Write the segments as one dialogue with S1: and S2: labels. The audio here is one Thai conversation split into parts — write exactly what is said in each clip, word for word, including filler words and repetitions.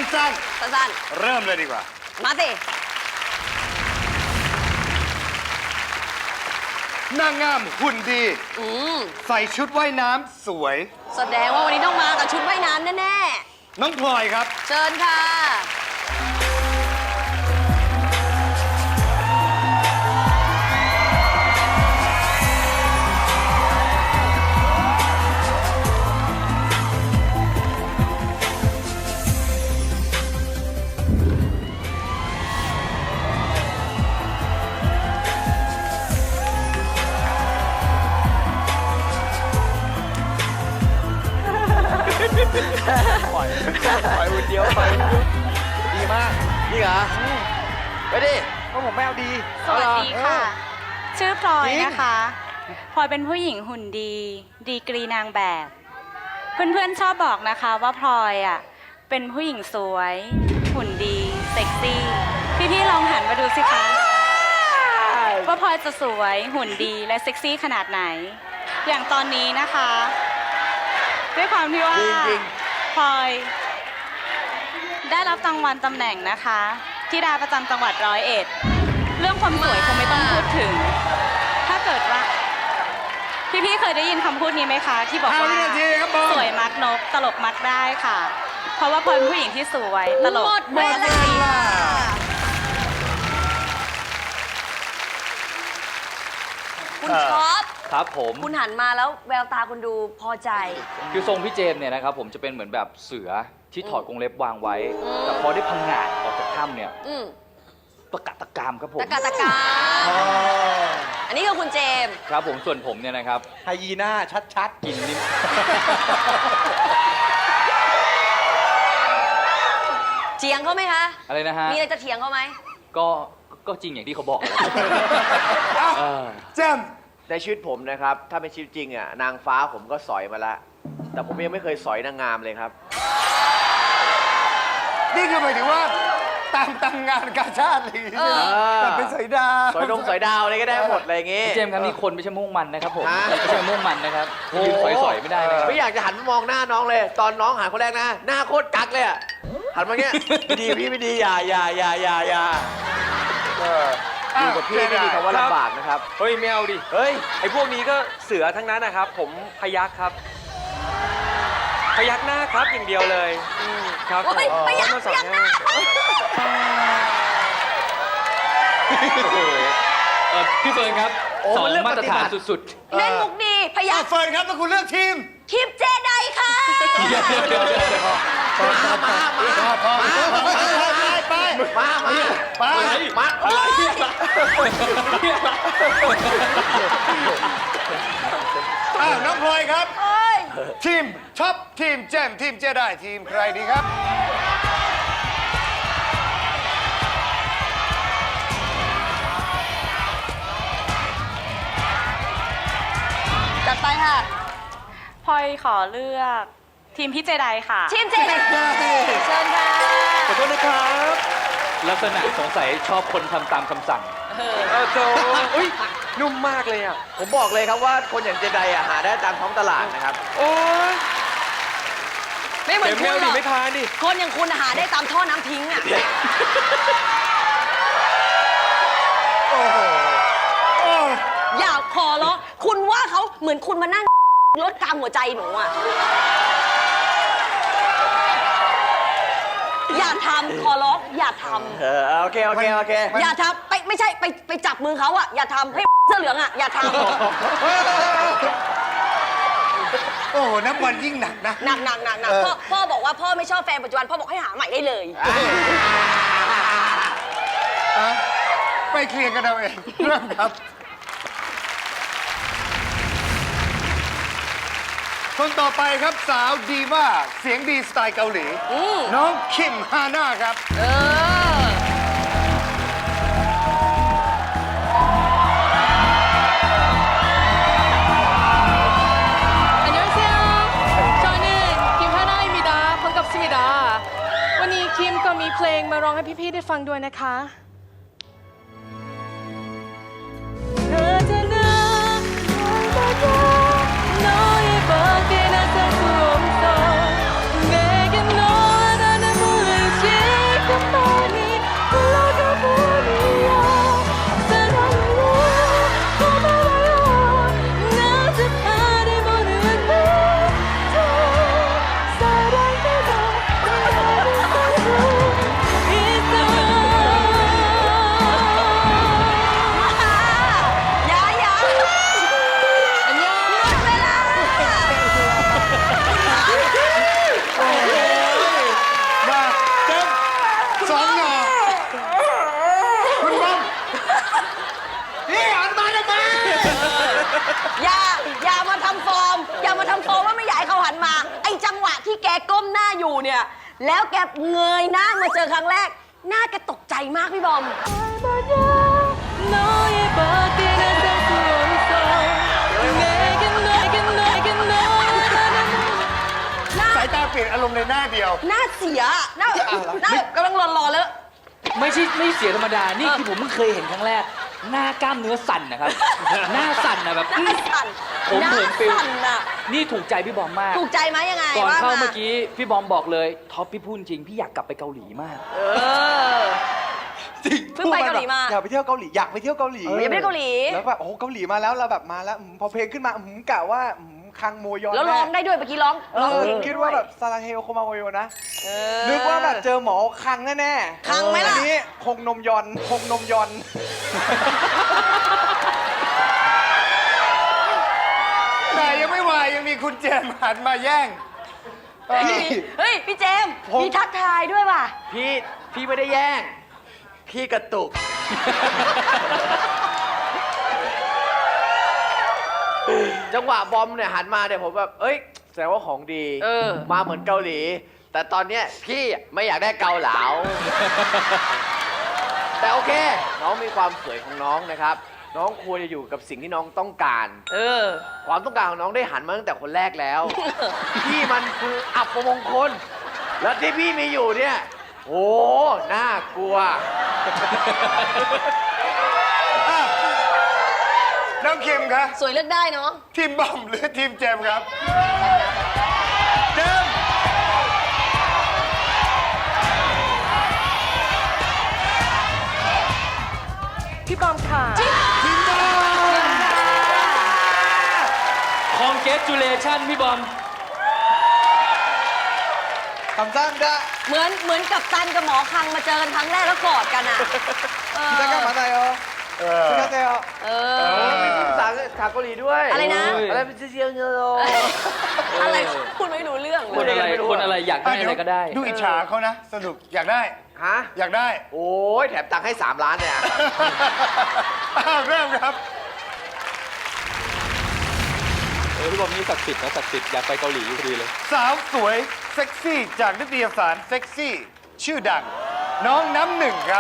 S1: สั้นๆสั้นๆเริ่มเลยดีกว่ามาสินางงามหุ่นดีใส่ชุดว่ายน้ำสวยแสดงว่าวันนี้ต้องมากับชุดว่ายน้ำแน่ๆน้องพลอยครับเชิญค่ะ
S2: ปล่อยปล่อยคนเดียวปล่อยคนเดียวดีมากนี่เหรอไปดิเพราะผมไม่เอาดี
S3: สวัสดีค่ะ ชื่อพลอยนะคะพลอยเป็นผู้หญิงหุ่นดีดีกรีนางแบบ เพื่อนๆชอบบอกนะคะว่าพลอยอ่ะเป็นผู้หญิงสวยหุ่นดีเซ็กซี่พี่ๆลองหันมาดูสิคะว่าพลอยจะสวยหุ่นดีและเซ็กซี่ขนาดไหน อย่างตอนนี้นะคะด้วยความที่ว่าพลอยได้รับรางวัลตำแหน่งนะคะธิดาประจำจังหวัดร้อยเอ็ดเรื่องความสวยคงไม่ต้องพูดถึงถ้าเกิดว่าพี่ๆเคยได้ยินคำพูดนี้ไหมคะที่บอกว่าสวยมักนกตลกมักได้ค่ะเพราะว่าพลอยเป็นผู้หญิงที่สวยตลกหมดเวลา
S1: คุณช็อป
S2: ครับผม
S1: คุณหันมาแล้วแววตาคุณดูพอใจ
S2: คือทรงพี่เจมส์เนี่ยนะครับผมจะเป็นเหมือนแบบเสือที่ถอดกรงเล็บวางไว้แต่พอได้พังงาดออกจากถ้ำเนี่ยตะกะตะกามครับผม
S1: ตะกะตะกามอันนี้คือคุณเจมส์
S2: ครับผมส่วนผมเนี่ยนะครับไฮยีน่าชัดๆกินนิ่ม
S1: เถียงเขาไหมคะ
S2: อะไรนะฮะ
S1: มีอะไรจะเถียงเขาไหม
S2: ก็ก็จริงอย่างที่เขาบอก
S4: เจมส์ในชีวิตผมนะครับถ้าเป็นชีวิตจริงอ่ะนางฟ้าผมก็สอยมาแล้วแต่ผมยังไม่เคยสอยนางงามเลยครับ
S1: นี่คือหมายถึงว่า
S4: ตามตามงานกาชาติอะไรอย่างเงี้ยแต่เป็นสอยดาวสอยดงสอยดาวอะไรก็ได้หมดอะไรอย่างเงี้ย
S2: เจมส์ครับนี่คนไม่ใช่มุ่งมันนะครับผมไม่ใช่มุ่งมันนะครับยืนสอยๆไม่ได้นะครับ
S4: ไม่อยากจะหันมามองหน้าน้องเลยตอนน้องหันคนแรกนะหน้าโคตรกักเลยอ่ะหันมาเงี้ยไม่ดีพี่ไม่ดีอย่าอย่าอย่าอย่าอย่าอยู่กับพี่ไม่ดีคำว่าลำบากนะครับ
S2: เฮ้ยไม่เอาดิ
S4: เฮ้ย
S2: ไอ้พวกนี้ก็เสือทั้งนั้นนะครับผมพยักครับพยักหน้าครับอย่างเดียวเลย
S1: ครับพยักพยักหน้า
S2: พี่เฟิร์นครับสองมาตรฐานสุด
S1: ๆเล่นมุกดีพยัก
S4: เฟิร์นครับแล้วคุณเลือกทีม
S1: ทีมเจไดค่ะ
S4: มามาไปไปมามาไปมาอะไรอ้าวน้องพลอยครับทีมท็อปทีมเจมทีมเจไดทีมใครดีครับ
S1: จัดไปค่ะ
S3: พลอยขอเลือกทีมพี่เจไดค่ะ
S1: ทีมเจไดเชิญค่ะ
S2: ขอโทษนะครับลักษณะสงสัยชอบคนทำตามคำสั่ง
S4: เออโจอุ้ยนุ่มมากเลยอ่ะผมบอกเลยครับว่าคนอย่างเจไดอ่ะหาได้ตามท้องตลาดนะครับ
S2: โอ้ย
S1: ไม่เหมือนคุณหรอก
S2: ไม่ทานดิ
S1: คนอย่างคุณหาได้ตามท่อน้ำทิ้งอ่ะ
S4: โอ้โห
S1: อย่าขอร้องคุณว่าเขาเหมือนคุณมานั่งรถกลางหัวใจหนูอ่ะอย่าทำขอร้องอย่าทำ
S4: เออโอเคโอเคโอเค
S1: อย่าทำไปไม่ใช่ไปไปจับมือเขาอ่ะอย่าทำให้เสื้อเหลืองอ่ะอย่าทำ
S4: โอ้โหน้ำมันยิ่งหนักนะ
S1: หนักหนักหนักหนักพ่อพ่อบอกว่าพ่อไม่ชอบแฟนปัจจุบันพ่อบอกให้หาใหม่ได้เลย
S4: ไปเคลียร์กันเอาเองเริ่มครับคนต่อไปครับสาวดีว่าเสียงดีสไตล์เกาหลีน้องคิมฮาน่าครับเออ
S5: วันนี้คิมก็มีเพลงมาร้องให้พี่ๆได้ฟังด้วยนะคะ
S6: อย่าอย่ามาทำฟอร์ม อย่ามาทำฟอร์มว่าไม่อยากให้เขาหันมา ไอ้จังหวะที่แกก้มหน้าอยู่เนี่ย แล้วแกเงยหน้ามาเจอครั้งแรก หน้าแกตกใจมากพี่บอม
S1: สายตาเปลี่ยนอารมณ์ในหน้าเดียว
S6: หน้าเสีย หน้าหน้ากำลังรอๆแล้ว
S2: ไม่ใช่ไม่เสียธรรมดา นี่คือผมเพิ่งเคยเห็นครั้งแรก หน้ากล้ามเนื้อสั่นนะครับ หน้าสั่นนะแบบ
S6: หน้าสั่น
S2: ผม
S6: หน้า
S2: เหินฟิล
S6: สั่นน่ะ
S2: นี่ถูกใจพี่บอมมาก
S6: ถูกใจไหมยังไง
S2: ก่อน
S6: ว่า
S2: เข้า
S6: มา
S2: เมื่อกี้พี่บอมบอกเลยท็อปพี่พูดจริงพี่อยากกลับไปเกาหลีมาก
S6: เออ เพิ่งไปเกาหลีมา
S7: อยากไปเที่ยวเกาหลีอยากไปเที่ยวเกาหลี
S6: อย่าไปเกาหลี
S7: แล้วแบบโอ้โหเกาหลีมาแล้วเราแบบมาแล้วอืมพอเพลงขึ้นมาอืมกะว่าอืมคังโมยอน
S6: แล้วร้องได้ด้วยเมื่อกี้ร้อง
S7: เอ
S6: ร้อง
S7: อ
S6: เพลง
S7: คิดว่าแบบซาลาเฮลโคมาโมโยนะ
S6: เออ
S7: นึกว่าแบบเจอหมอคังแน่ๆ
S6: คังไหมล่ะ
S7: อันนี้คงนมยอนคงนมยอน
S1: แต่ยังไม่วายยังมีคุณเจมส์หันมาแย่ง
S7: พี่
S6: เฮ้ย พี่เจมส์
S7: ผม
S6: มีทักทายด้วยว่ะ
S4: พี่พี่ไม่ได้แย่ง พี่กระตุก จังหวะบอมเนี่ยหันมาเนี่ยผมแบบ เอ้ยแสดงว่าของดี
S6: เออ
S4: มาเหมือนเกาหลี แต่ตอนเนี้ยพี่ไม่อยากได้เกาเหลา แต่โอเค น้องมีความสวยของน้องนะครับ น้องควรจะอยู่กับสิ่งที่น้องต้องการ
S6: เออ
S4: ความต้องการของน้องได้หันมาตั้งแต่คนแรกแล้ว พี่มันคืออับประมงคล แล้วที่พี่มีอยู่เนี่ยโอ้น่ากลัว
S1: น้องคิมครับ
S6: สวยเลือกได้เนาะ
S1: ทีมบอมหรือทีมเจมส์ครับ เจมส์
S5: พี่บอมค่ะ
S1: ทีมบอม
S2: congratulation พี่บอม
S7: คำสั่งจะ
S6: เหมือนเหมือนกับตันกับหมอคังมาเจอกันครั้งแรกแล้วกอดกันอ่ะ เออ
S7: คิดได้กันมาได้เหรอ
S1: เออ
S7: คิดได้เหรอ
S6: เอ
S1: เอ
S6: อ
S1: อ
S4: มีภาษาภาษาเกาหลีด้วย
S6: อะไรนะ
S4: อะไรเป็นเซียวเนโร
S6: อะไรพูดไม่รู้เรื่อง
S2: คน
S6: เลย
S2: อะไร
S4: ไม่รู้
S2: คนอะไรอยากได้อะไรก็ได้
S1: ดูอิจฉาเขานะ สนุกอยากได้
S4: ฮะ
S1: อยากได้
S4: โอ้ยแถมตังค์ให้สามล้านเนี่ย
S1: อ้าวเริ่มครับ
S2: เออพี่บอมนี่ศักดิ์สิทธิ์นะศักดิ์สิทธิ์อยากไปเกาหลีอยู่พอดีเลย
S1: สาวสวย เซ็กซี่ จากนิตยสารเซ็กซี่ ชื่อดัง น้องน้ำหนึ่งครับ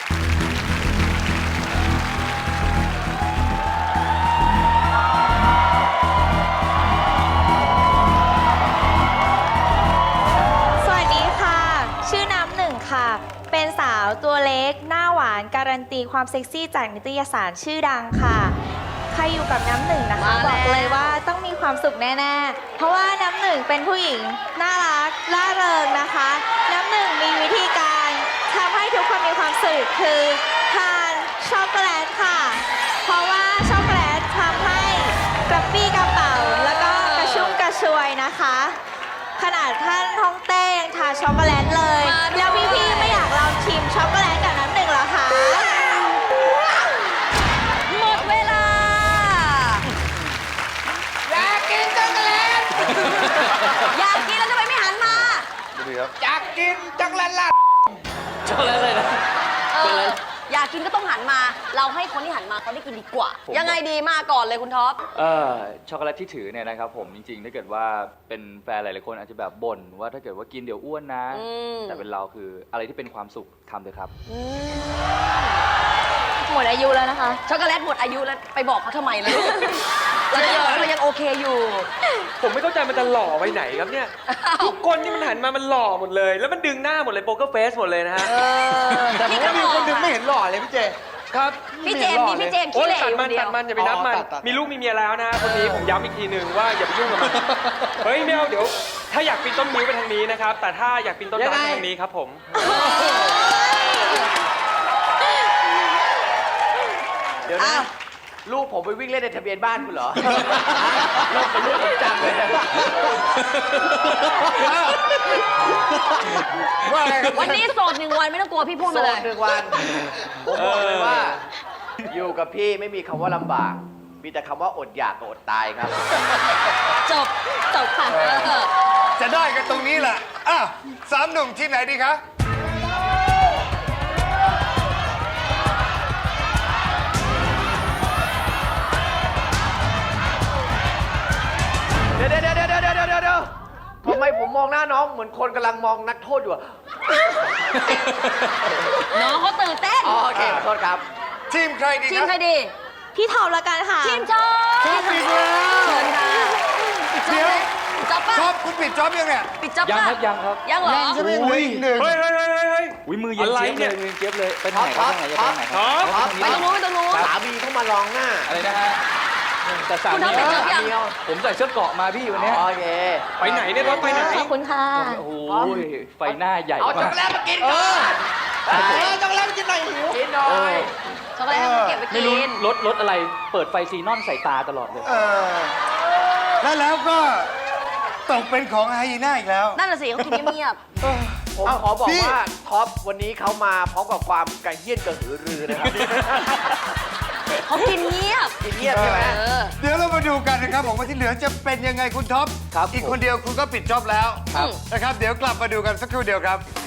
S8: สวัสดีค่ะ ชื่อน้ำหนึ่งค่ะ เป็นสาวตัวเล็ก หน้าหวาน การันตีความเซ็กซี่จากนิตยสารชื่อดังค่ะ ใครอยู่กับน้ำหนึ่งนะคะ
S6: มาแล้ว
S8: บอกเลยว่าต้องมีความสุขแน่ๆ เพราะว่าน้ำหนึ่งเป็นผู้หญิงน่ารักล่าเริงนะคะ น้ำหนึ่งมีวิธีการทำให้ทุกคนมีความสุขคือทานช็อกโกแลตค่ะ เพราะว่าช็อกโกแลตทำให้กระปี้กระเป๋า แล้วก็กระชุ่มกระชวยนะคะ ขนาดท่านท้องเต้ยังทานช็อกโกแลตเลย
S6: มาด้วย
S8: แล้วพี่ๆไม่อยากลองชิมช็อกโกแลตกับน้ำหนึ่งเหรอคะ
S6: หมดเวลา
S4: อยากกินจังเลย
S6: อยากกินแล้วทำไมไม่หันมา
S4: อยากกินจังเลยล่ะ
S2: ช็อกโกแลตเลยนะ
S6: เอ
S2: เป็นไร
S6: อ อยากกินก็ต้องหันมา เราให้คนที่หันมาเขาได้กินดีกว่า
S2: ผม
S6: ยังไงดีมาก่อนเลยคุณท็อป
S2: เออช็อกโกแลตที่ถือเนี่ยนะครับผมจริงๆ ถ้าเกิดว่าเป็นแฟนหลายๆคนอาจจะแบบบ่นว่าถ้าเกิดว่ากินเดี๋ยวอ้วนนะ
S6: อืม
S2: แต่เป็นเราคืออะไรที่เป็นความสุขทำเลยครับ
S8: หมดอายุแล้วนะคะ
S6: ช็อกโกแลตหมดอายุแล้วไปบอกเขาทำไมล่ะ เรายังเรายังโอเคอยู่
S9: ผมไม่เข้าใจมันจะหล่อไปไหนครับเนี่ย ทุกคนนี่มันหันมามันหล่อหมดเลย แล้วมันดึงหน้าหมดเลยโป๊กเกอร์เฟสหมดเลยนะฮะ
S7: แต่ผมว่ามีคนหนึงไม่เห็นหล่อเลยพี่เจ
S9: ครับ
S6: พี่เจมส์มีพี่เจมส์
S9: โอ้
S6: ขี้
S9: ย
S6: เหร่
S9: ตัด
S6: อยู่
S9: มั
S6: คน นเดีย
S9: ตัด
S6: ว
S9: มันอย่าไปนับมัน
S7: อ๋อตัดตัด
S9: มีลูกมีเมียแล้วนะฮะคนนี้ผมย้ำอีกทีหนึ่งว่าอย่าไปยุ่งกับมัน เฮ้ยไม่เอาเดี๋ยว ถ้าอยากปีนต้นนิ้วไปทางนี้นะครับ แต่ถ้าอยากปีนต้นไม้ไปทางนี้ครับผม
S4: เดี๋ยวนะ
S6: อ้าว
S4: ลูกผมไปวิ่งเล่นในทะเบียนบ้านคุณเหรอ ลูกเป็นลูกผมจังเลย
S1: ว่าไงครับ
S6: วันนี้โสดหนึ่งวันไม่ต้องกลัวพี่พูด
S4: โส
S6: มาเล
S4: ด
S6: ย
S4: หนึ่งวัน ผมบอกเลยว่า อยู่กับพี่ไม่มีคำว่าลำบาก มีแต่คำว่าอดอยากกับอดตายครับ
S6: จบ จบค่ะ
S1: จะได้กันตรงนี้แหละอ่ะสามหนุ่มทีมไหนดีคะ
S4: หน้าน้องเหมือนคนกำลังมองนักโทษอยู่อะ
S6: น้องเขาตื่นเต้น
S4: อ๋อโอเคขอโทษครับ
S1: ทีมใครดี
S6: ที
S1: ค
S6: ม
S1: รับ
S6: ใครดี
S8: พี่ทอมละกันค่ะ
S6: ทีมจอบ
S1: ชอบปิดแล้ว
S6: เชิญค่ะปิดจอบไหมปิดจอบป่ะ
S1: ชอบคุณปิดจ็อบยังเนี่ย
S6: ปิดจอบ
S2: ยัง
S6: ป่ะ
S2: ครับยังครับ
S6: ยังเหรอ
S1: ยังใช่ไหมเหลืออีกหนึ่ง
S9: เฮ้ยเฮ้ยเฮ้ยเฮ้ยเฮ้ย
S2: อุ้ยมือเย็น
S9: อะไร
S2: เจี๊ยบ
S9: เนี่
S2: เลย ยมือเย็นเจี๊ยบเลยไปทางไหนครับทางไหนจะไปทางไหนค
S9: ท็
S2: รั
S9: อป
S2: บ
S6: ไปตรงนู้นไปตรงนู้น
S4: สามีเข้ามาลองหน้า
S2: อะไรนะฮะแต่สา
S6: คุณ
S2: มี
S6: ทำเป็นเจ้ายัง
S4: เดียว
S2: ผมใส่เสื้อเกราะมาพี่วันเนี้ย
S4: โอเค
S9: ไปไหนเนี่ยท็อปไปไหน
S8: ขอบคุณค่ะ
S2: โอ้โหไฟหน้าใหญ่
S4: เอาช็อก
S2: มาก
S4: โกแลตมากินก่อน
S7: เออช็อกโกแลตกินหน่อยหิว
S4: กินหน่อย
S6: ช็อกโกแลตให้มันเก็บไป
S2: ไม่
S6: กิ
S2: รู้
S6: น
S2: รถรถอะไรเปิดไฟซีนอนใส่ตาตลอดเลย
S1: เออแล้วแล้วก็ตกเป็นของไฮยีน่าอีกแล้ว
S6: นั่นน่ะสิเขากินเงียบ
S4: ผมขอบอกว่าท็อปวันนี้เขามาพร้อมกับความกระเฮี้ยนกระหือรือนะครับ
S6: ๆเขากินเงียบ
S4: กินเงียบใช่ไหม
S6: เออ
S1: เดี๋ยวเรามาดูกันนะครับผมว่าที่เหลือจะเป็นยังไงคุณท็อป
S2: ครับ
S1: อีกคนเดียวคุณก็ปิดจ็อบแล้ว
S6: ครับ
S1: นะครับ เดี๋ยวกลับมาดูกันสักครู่เดียวครับ